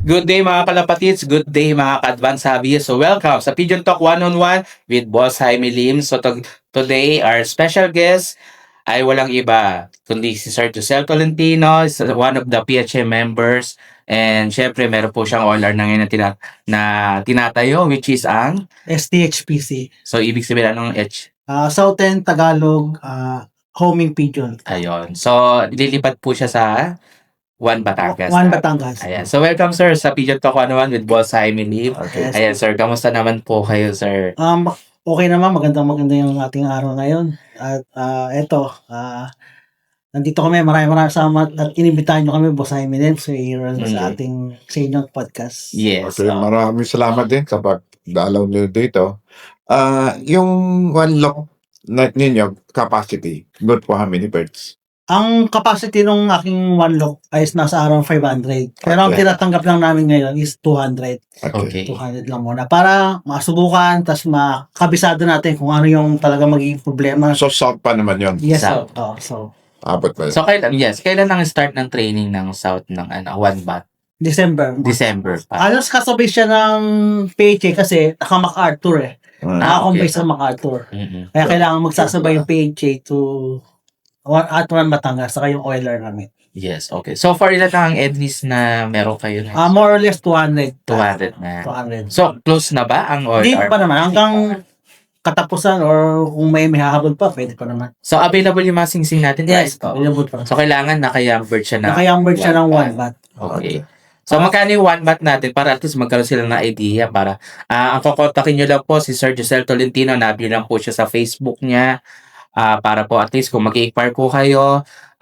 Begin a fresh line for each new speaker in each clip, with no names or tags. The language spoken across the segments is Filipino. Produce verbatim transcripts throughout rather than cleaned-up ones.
Good day mga kalapatids, good day mga ka-advance hobbyists. So welcome sa Pigeon Talk one-on-one with Boss Jaime Lim. So to- today, our special guest ay walang iba kundi si Sir Josel Tolentino, is one of the P H M members. And syempre, meron po siyang O L R na ngayon na, tina- na tinatayo, which is ang...
S T H P C.
So, ibig sabihin anong H?
Uh, Southern Tagalog uh, Homing Pigeon.
Ayun. So, lilipat po siya sa One Batangas.
One Batangas.
Ayan. So, welcome sir sa Pigeon Talk one-on-one with Boss Jaime Lim.
Okay.
Ayan sir, kamusta naman po kayo sir?
Um, okay naman, magandang maganda yung ating araw ngayon. At uh, eto, uh, nandito kami, maraming maraming salamat at inimbitahan nyo kami, Boss Jaime Lim, sa, mm-hmm. sa ating sa inyong podcast.
Yes.
Okay,
So,
maraming salamat din sa pagdalaw nyo dito. Ah, yung one lock na ninyo, capacity, good for how many birds?
Ang capacity ng aking one lock ay nasa around five hundred. Pero ang
Okay.
tinatanggap lang namin ngayon is two hundred.
okay.
two hundred lang muna. Para masubukan, tas makabisado natin kung ano yung talaga magiging problema.
So, south pa naman yun.
Yes,
South.
so, oh, so
Abot ba yun?
So, kailan, yes, kailan ang start ng training ng South ng ano, One Bat?
December.
December pa.
Alos kasabay siya ng P H A kasi naka MacArthur eh.
Ah,
Nakakompay
okay.
sa MacArthur.
Mm-mm.
Kaya kailangan magsasabay yung P H A to one- at One Batangas saka yung O L R namin.
Yes, okay. So, far ilan na ang entries na meron kayo
Ah,
na?
more or less two hundred.
two hundred na.
two hundred.
So, close na ba ang O L
Hindi
R?
pa naman. Hanggang katapusan or kung may may hahabol pa, pwede pa naman.
So, available yung mga singsing natin?
Yes,
right? Oo.
available pa.
So, kailangan naka-young bird siya na.
Naka-young bird siya ng one bat.
Okay. So, magkano yung one bat natin para at least magkaroon sila ng idea para ah ang kukontakin nyo lang po si Sir Josel Tolentino, nabi lang po siya sa Facebook niya ah para po at least kung mag-i-inquire po kayo,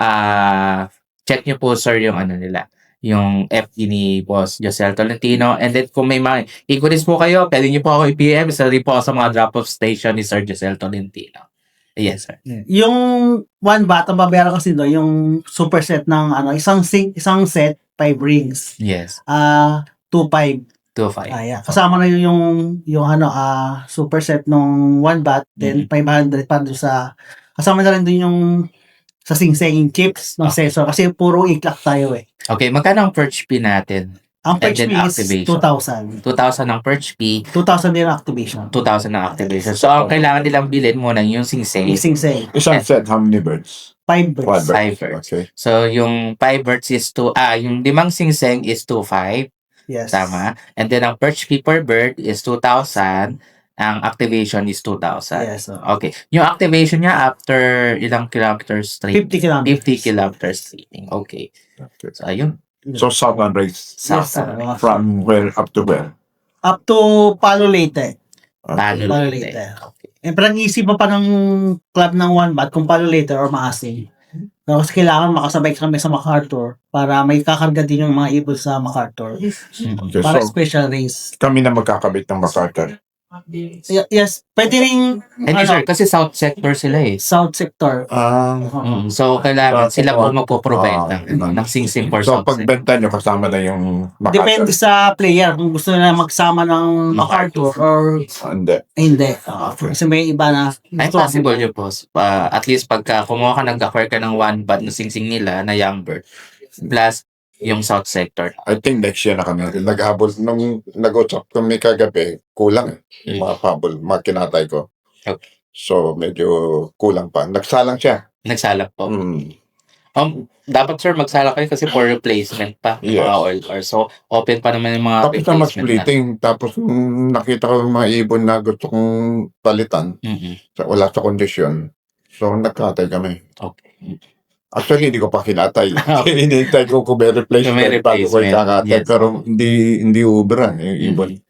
ah check nyo po sir yung ano nila, yung F B ni Boss Josel Tolentino. And then kung may mga inquiries po kayo, pwede nyo po ako i-P M sa rin po sa mga drop-off station ni Sir Josel Tolentino. Yes, sir.
Yung one bat, ang babayaran kasi doon, yung superset ng ano, isang sing, isang set, five rings.
Yes.
Ah, two five.
two five.
Ah, yeah. Kasama na yun yung yung ano, ah superset ng one bat, then five hundred pa doon sa kasama na rin doon yung sa sing-singing chips ng
Okay.
sensor kasi puro i-clock tayo eh.
Okay, magkano ang perch fee natin?
Ang
And
perch
then
fee is
activation.
two thousand.
two thousand ang perch fee,
two thousand din ang activation.
two thousand ang activation. So, ang kailangan nilang bilhin muna yung sing-sing.
Yung sing-sing.
Isang set, how many birds?
Five
One
birds.
bird.
Five birds.
Okay.
So, yung five birds is two, ah, yung limang sing-sing is two five,
Yes.
tama? And then, ang perch fee per bird is two thousand, ang activation is two thousand.
Yes. So,
Okay. Yung activation niya after ilang kilometers straight?
fifty kilometers.
fifty kilometers streaming. Okay.
Okay.
So, ayun.
So, southern race,
Yes,
South.
sir.
from where up to where?
Up to Palo Leyte.
Palo
Palo
Leyte.
Leyte.
Okay.
Eh, parang isipan pa ng club ng one bat kung Palo Leyte or Maasin. Pero kasi kailangan makasabay kami sa MacArthur para may kakarga din yung mga ibon sa MacArthur.
Mm.
Okay,
Para
so
special race.
kami na magkakabit ng MacArthur.
Y- yes, pwede rin
Hindi
ano,
sir, kasi south sector sila eh.
South sector.
Ah,
Mm, so, kailangan
So,
sila po
so,
magpo-provide
ah,
ng, ano, ng sing-sing for
so
south sector.
pagbenta nyo, kasama na yung
Depende
MacArthur.
sa player kung gusto nila magsama ng MacArthur or
Hindi.
hindi. Ah, kasi may iba na
Ay,
gusto-
possible yun, boss. Uh, at least pagka kumuha ka, nag-acquire ka ng one bat na sing-sing nila na young bird, plus yung south sector.
I think next year na kami. Naghabol, nung nag-usap kami kagabi, kulang eh.
Mm.
Mga pabol, mga kinatay ko.
Okay.
So, medyo kulang pa. Nagsalang siya.
Nagsalak po.
Mm.
Um, dapat sir, magsalak kayo kasi for replacement pa. ng
Yes.
Mga oil or so, open pa naman yung mga
Tapos na
replacement
mag-splitting. Tapos nung nakita ko yung mga ibon na gusto kong palitan,
Mhm.
sa, wala sa kondisyon. So, nagkatay kami.
Okay.
Actually, hindi ko pa kinatay. Hinihintay ko kung may replacement,
May
bago ko
replacement,
ikakatay.
yes.
Pero hindi hindi ubra yung ibon.
Mhm.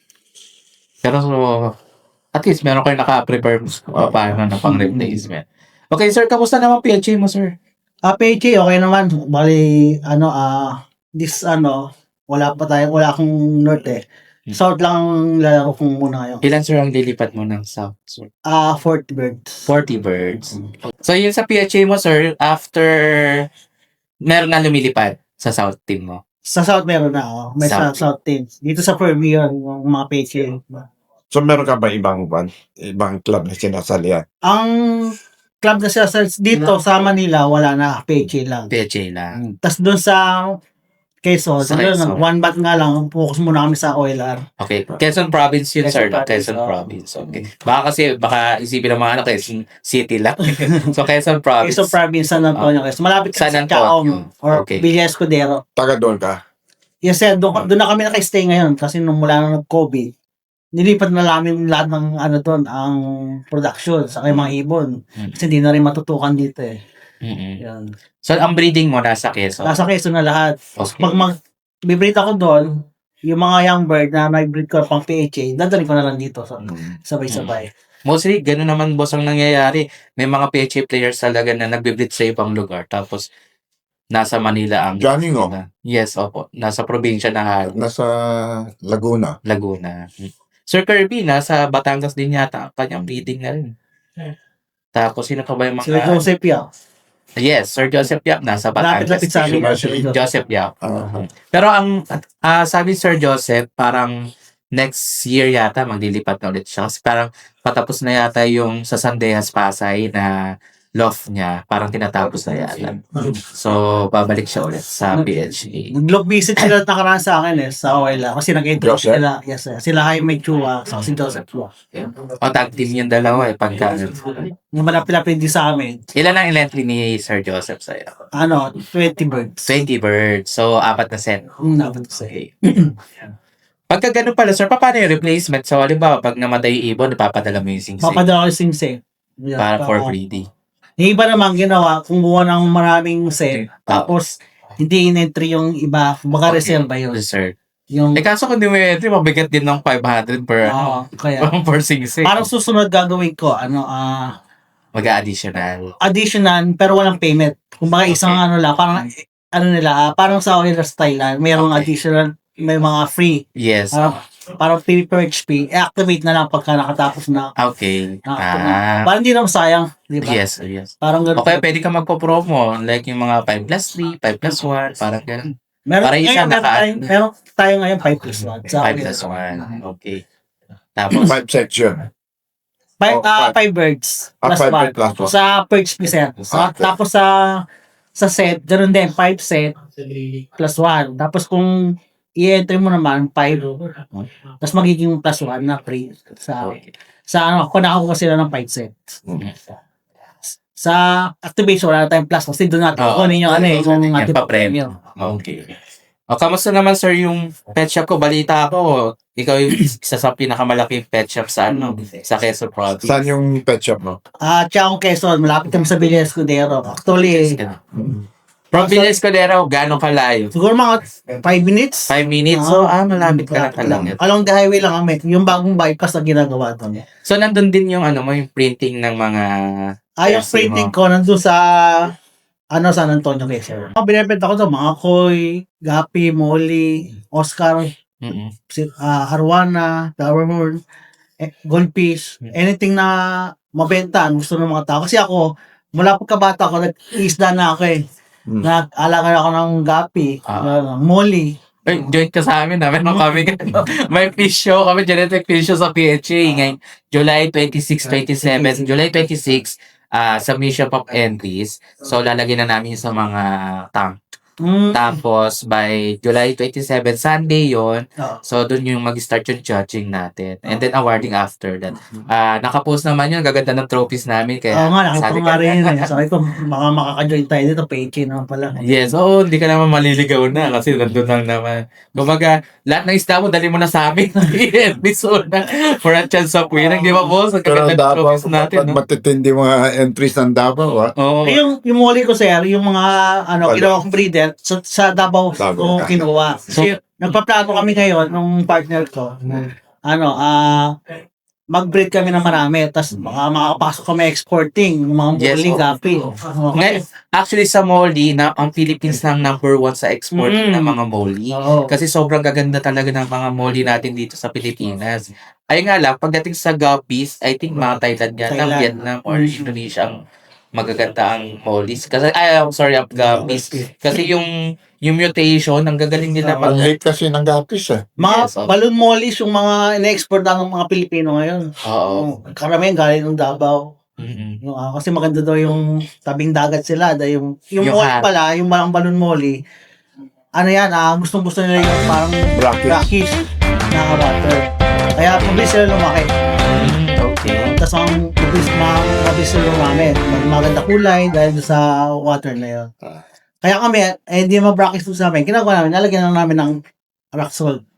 Pero so, at least meron kayo naka-prepare uh, paano na pang replacement. Okay sir, kamusta naman P H A mo sir?
Ah, P H A, okay naman. Bali, ano, ah, this, ano, wala pa tayo, wala akong north eh. South lang ang lalaro kong muna ngayon.
Ilan sir ang lilipat mo ng south sir?
Ah, forty birds.
forty birds. So yun sa P H A mo sir, after meron na lumilipad sa south team mo.
Sa South meron na, oh. May sa
South.
South teams. Dito sa Premier, yung mga P H A.
So, meron ka ba ibang ban? Ibang club na sinasalihan?
Ang club na sila sa dito sa Manila, wala na, P H A lang.
P H A lang.
Tapos doon sa Quezon.
Sa
Sa
Quezon.
one bat nga lang, focus muna kami sa O L R.
Okay. Quezon Province yun,
Quezon
sir. no?
Province,
Quezon
oo.
Province. Okay. Baka kasi, baka isipin ng mga ano, Quezon City lang. So, Quezon Province.
Quezon Province, San Antonio, Quezon. Malapit
San
sa
Antonio.
Chaong or
Okay.
Villa Escudero.
Taga doon ka.
Yes, sir. Doon, doon na kami naka-stay ngayon kasi nung mula na nag-COVID, nilipat na namin lahat ng ano doon, ang production sa kay mga ibon.
Mm.
Kasi hindi na rin matutukan dito eh.
Mm-mm.
Yan.
So, ang breeding mo nasa Quezon.
Nasa Quezon na lahat.
Okay.
Pag mag bibreed ako doon, yung mga young bird na nag-breed ko pang P H A, dadalhin ko na lang dito sa
Mm.
sabay-sabay.
Mostly, gano'n naman, boss, ang nangyayari. May mga P H A players talaga na nagbe-breed sa ibang lugar. Tapos, nasa Manila ang...
Johnny Ngo.
Yes, opo. Nasa probinsya na halos.
Nasa Laguna.
Laguna. Mm. Sir Kirby, nasa Batangas din yata. Kanyang breeding na rin. Tapos, sino pa ba yung mga...
Sila Joseph Yao.
Yes, Sir Joseph Yap, nasa Batangas.
Lapit-lapit sa amin.
Sila-
Sila Joseph.
Joseph Yap.
Ah,
Pero ang ah, sabi ni Sir Joseph, parang next year yata maglilipat na ulit siya. Kasi parang patapos na yata yung sa Sandeas Pasay na loft niya. Parang tinatapos na yata. So, babalik siya ulit sa P H A.
Nag-log visit sila at nakaraan sa akin eh, sa O L R. Kasi nag-intro
Joseph?
sila. Yes, sir. Sila Jaime Chua, sa si Joseph Chua.
O, tag team yung dalawa eh. Pagka,
Yung malapit-lapit din sa amin.
ilan ang entry ni Sir Joseph sa'yo?
Ano, twenty birds.
twenty birds. So, apat na set.
Yung dapat ko sa'yo.
Okay. Pagka ganun pala, sir, paano yung replacement? So, halimbawa, pag namatay yung ibon, ipapadala mo yung sing-sing
Papadala ko yung sing-sing. Yeah,
para for
pa-
breeding.
Yung iba naman ginawa, kumuha ng maraming set, tapos hindi in-entry yung iba, baka
Okay.
reserve ba yun?
Sir.
Yung,
Eh, kaso kung di mo entry, mabigat din ng five hundred per,
oo, kaya,
per sing-sing.
parang susunod gagawin ko, ano, ah,
Mag-additional.
additional, pero walang payment. Kung baka isang
Okay.
ano lang, parang, ano nila, ah, parang sa Oiler style lang, mayroong
Okay.
additional, may mga free,
Yes.
ah, parang pay per H P, i-activate na lang pagka nakatapos na.
Okay.
na
Ah.
Parang hindi naman sayang, di ba?
Yes, yes.
Parang ganun.
Okay, pwede ka magpo-promo. Like yung mga five plus three, five plus one, parang ganun.
Meron,
para isa
ngayon, meron,
naka-
tayo, meron tayo ngayon five plus one. Sa
five
akin.
plus one. Okay. Tapos,
five section.
Five,
Oh,
ah,
five.
five birds
Ah,
plus
five
one.
birds plus one.
Sa per H P set. Sa,
Okay.
Tapos sa sa set, ganun din, five set plus one. Tapos kung i-enter mo naman, five. Tapos magiging plus one na free. Sa,
okay.
sa ano, kung nakakuha sila ng five sets.
Mm.
Sa activation, wala na tayong plus. Kasi doon natin
Oo.
kunin yung ano eh, yung
Yung
ating
pa-premium. Okay. O, kamusta naman, sir, yung pet shop ko? Balita ko, ikaw yung isa sa pinakamalaking pet shop sa ano, sa Quezon Province.
Saan yung pet shop mo?
Ah, Chaong Quezon, malapit kami sa Villa Escudero. Actually,
From Villa Escudero, gano'ng kalayo?
siguro mga five minutes.
Five minutes? So, ah, malapit ka na talaga.
Along the highway lang kami. Yung bagong bypass na ginagawa doon.
So, nandun din yung ano mo, yung printing ng mga...
Ah, yung
jersey
printing
mo.
ko nandun sa ano, San Antonio, Quezon. Mga binibenta ko doon, mga koi, gapi, molly, Oscar,
Mm-mm.
si- ah, arwana, flowerhorn, eh, goldfish, anything na mabenta, ang gusto ng mga tao. Kasi ako, mula pagkabata ko, nag-isda na ako eh.
Hmm.
Nag-alaga ako ng gapi,
Ah.
uh, molly.
Ay, join ka sa amin. Namin nung kami. May fish show kami. Genetic fish show sa P H A. Ngayon, July twenty-six, twenty-seven. July twenty-six, ah submission of entries. So, lalagyan na namin sa mga tank.
Mm.
Tapos, by July twenty-seven, Sunday yon.
Oo.
So, doon yung mag-start yung judging natin. And then, awarding after that. Ah nakapost naman yun. Gaganda ng trophies namin. Kaya,
Oo nga, nakita
sabi
ko
ka-
nga rin yun eh. Sabi ko, baka makaka-join tayo dito, peke naman pala.
Yes, oo, hindi ka naman maliligaw na kasi nandun lang naman. Kumbaga, lahat ng isda mo, dali mo na sa amin. Episode na for a chance of winning. Di ba, boss? Ang
Pero
kaganda ng
Davao,
trophies natin, no?
matitindi mga entries ng Davao, ah.
Oo.
Eh, yung, yung muli ko, sir, yung mga, ano,
Wala.
kinuha kong breeder, sa, sa Davao
Davao.
ko kinuha. So, nagpaplano kami ngayon, nung partner ko, ano, ah, mag-breed kami ng marami, tapos baka makakapasok kami exporting, yung mga
Yes,
muli,
oo.
gapi.
Ngayon, actually, sa Molly, na, ang Philippines lang number one sa export
Mm.
ng mga Molly.
Oo.
Kasi sobrang gaganda talaga ng mga Molly natin dito sa Pilipinas. Ay nga lang, pagdating sa guppies, I think mga Thailand yan,
Thailand.
Vietnam, or Indonesia ang magaganda ang Mollies. Kasi, ay, I'm sorry, ang guppies. Kasi yung yung mutation, ang gagaling nila
Ang
pag...
hate kasi ng gapis, eh.
Mga
Yes, oo.
balloon mollies, yung mga ina-export na ng mga Pilipino ngayon.
Oo.
Oh, karamihan galing ng Davao.
Mm-mm.
Yung, ah, kasi maganda daw yung tabing dagat sila. Dahil yung, yung,
Yung
molly
hat.
pala, yung mga balloon molly, ano yan, ah, gustong-gusto nila yung parang
Brackish.
brackish na water. Kaya mabilis sila lumaki.
Mm, okay.
Tapos ang mabilis, ma- mabilis sila lumami. Mag- Maganda kulay dahil doon sa water na yun.
Ah.
Kaya kami, eh, hindi naman brackish doon sa amin. Ginagawa namin, nalagyan lang namin ng rock salt.